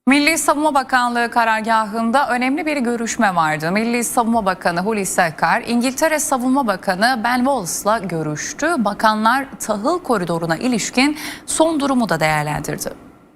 Milli Savunma Bakanlığı karargahında önemli bir görüşme vardı. Milli Savunma Bakanı Hulusi Akar, İngiltere Savunma Bakanı Ben Wallace'la görüştü. Bakanlar tahıl koridoruna ilişkin son durumu da değerlendirdi.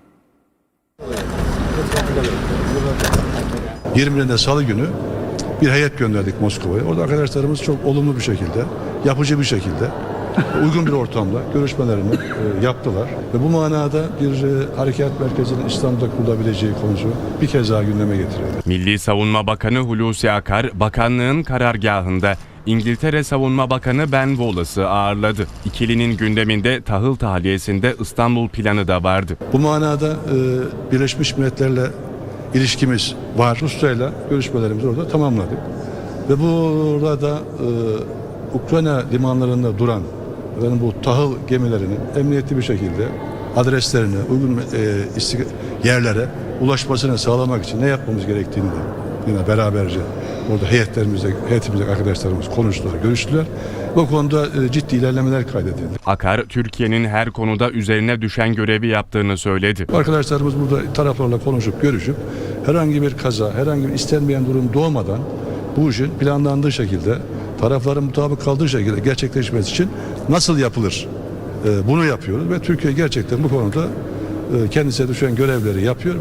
20'inde Salı günü bir heyet gönderdik Moskova'ya. Orada arkadaşlarımız çok olumlu bir şekilde, yapıcı bir şekilde, uygun bir ortamda görüşmelerini yaptılar. Ve bu manada bir harekat merkezinin İstanbul'da kurulabileceği konusu bir kez daha gündeme getirildi. Milli Savunma Bakanı Hulusi Akar, bakanlığın karargahında İngiltere Savunma Bakanı Ben Wallace'ı ağırladı. İkilinin gündeminde tahıl tahliyesinde İstanbul planı da vardı. Bu manada Birleşmiş Milletler'le ilişkimiz var. Rusya'yla görüşmelerimizi orada tamamladık. Ve burada Ukrayna limanlarında duran bu tahıl gemilerinin emniyetli bir şekilde adreslerine, uygun yerlere ulaşmasını sağlamak için ne yapmamız gerektiğini de yine beraberce orada heyetimizde arkadaşlarımız konuştular, görüştüler. Bu konuda ciddi ilerlemeler kaydedildi. Akar, Türkiye'nin her konuda üzerine düşen görevi yaptığını söyledi. Arkadaşlarımız burada taraflarla konuşup, görüşüp herhangi bir kaza, herhangi bir istenmeyen durum doğmadan bu işin planlandığı şekilde, tarafların mutabık kaldığı şekilde gerçekleşmesi için nasıl yapılır? Bunu yapıyoruz ve Türkiye gerçekten bu konuda kendisine düşen görevleri yapıyor.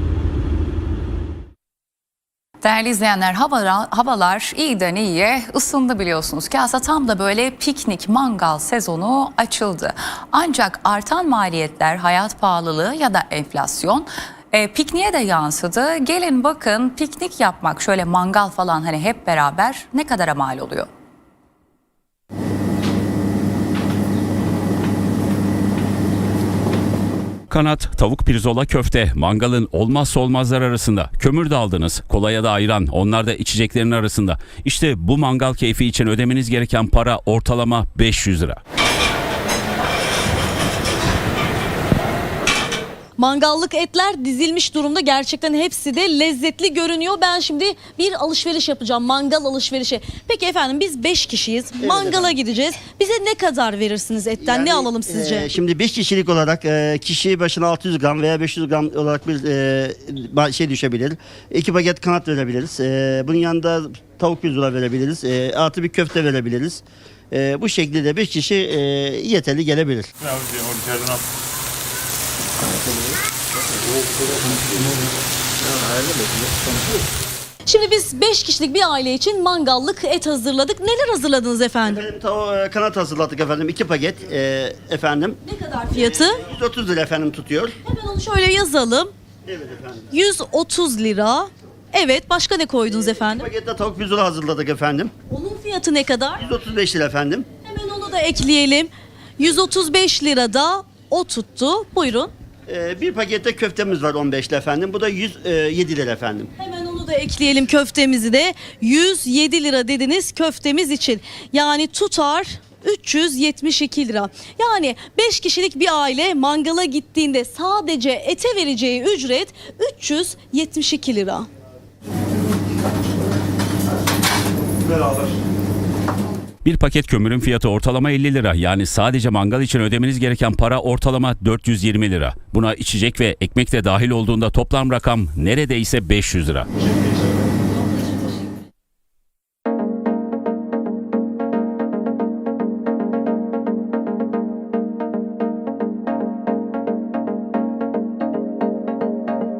Değerli izleyenler, havalar iyiden iyiye ısındı biliyorsunuz ki aslında tam da böyle piknik mangal sezonu açıldı. Ancak artan maliyetler, hayat pahalılığı ya da enflasyon pikniğe de yansıdı. Gelin bakın, piknik yapmak, şöyle mangal falan hani hep beraber ne kadara mal oluyor? Kanat, tavuk pirzola, köfte mangalın olmazsa olmazlar arasında. Kömür de aldınız, kolaya da ayran, onlar da içeceklerin arasında. İşte bu mangal keyfi için ödemeniz gereken para ortalama 500 lira. Mangallık etler dizilmiş durumda, gerçekten hepsi de lezzetli görünüyor. Ben şimdi bir alışveriş yapacağım, mangal alışverişi. Peki efendim, biz 5 kişiyiz, mangala gideceğiz. Bize ne kadar verirsiniz etten, ne alalım sizce? Şimdi 5 kişilik olarak kişi başına 600 gram veya 500 gram olarak bir şey düşebilir. 2 paket kanat verebiliriz. Bunun yanında tavuk pirzola verebiliriz. Artı bir köfte verebiliriz. Bu şekilde 5 kişi yeterli gelebilir. Şimdi biz 5 kişilik bir aile için mangallık et hazırladık. Neler hazırladınız efendim? Kanat hazırladık efendim. 2 paket efendim. Ne kadar fiyatı? 130 lira efendim tutuyor. Hemen onu şöyle yazalım. Evet efendim. 130 lira. Evet, başka ne koydunuz efendim? Pakette tavuk pirzola hazırladık efendim. Onun fiyatı ne kadar? 135 lira efendim. Hemen onu da ekleyelim. 135 lirada o tuttu. Buyurun. Bir pakette köftemiz var 15 lira efendim. Bu da 107 lira efendim. Hemen onu da ekleyelim, köftemizi de. 107 lira dediniz köftemiz için. Yani tutar 372 lira. Yani 5 kişilik bir aile mangala gittiğinde sadece ete vereceği ücret 372 lira. Bir paket kömürün fiyatı ortalama 50 lira. Yani sadece mangal için ödemeniz gereken para ortalama 420 lira. Buna içecek ve ekmek de dahil olduğunda toplam rakam neredeyse 500 lira.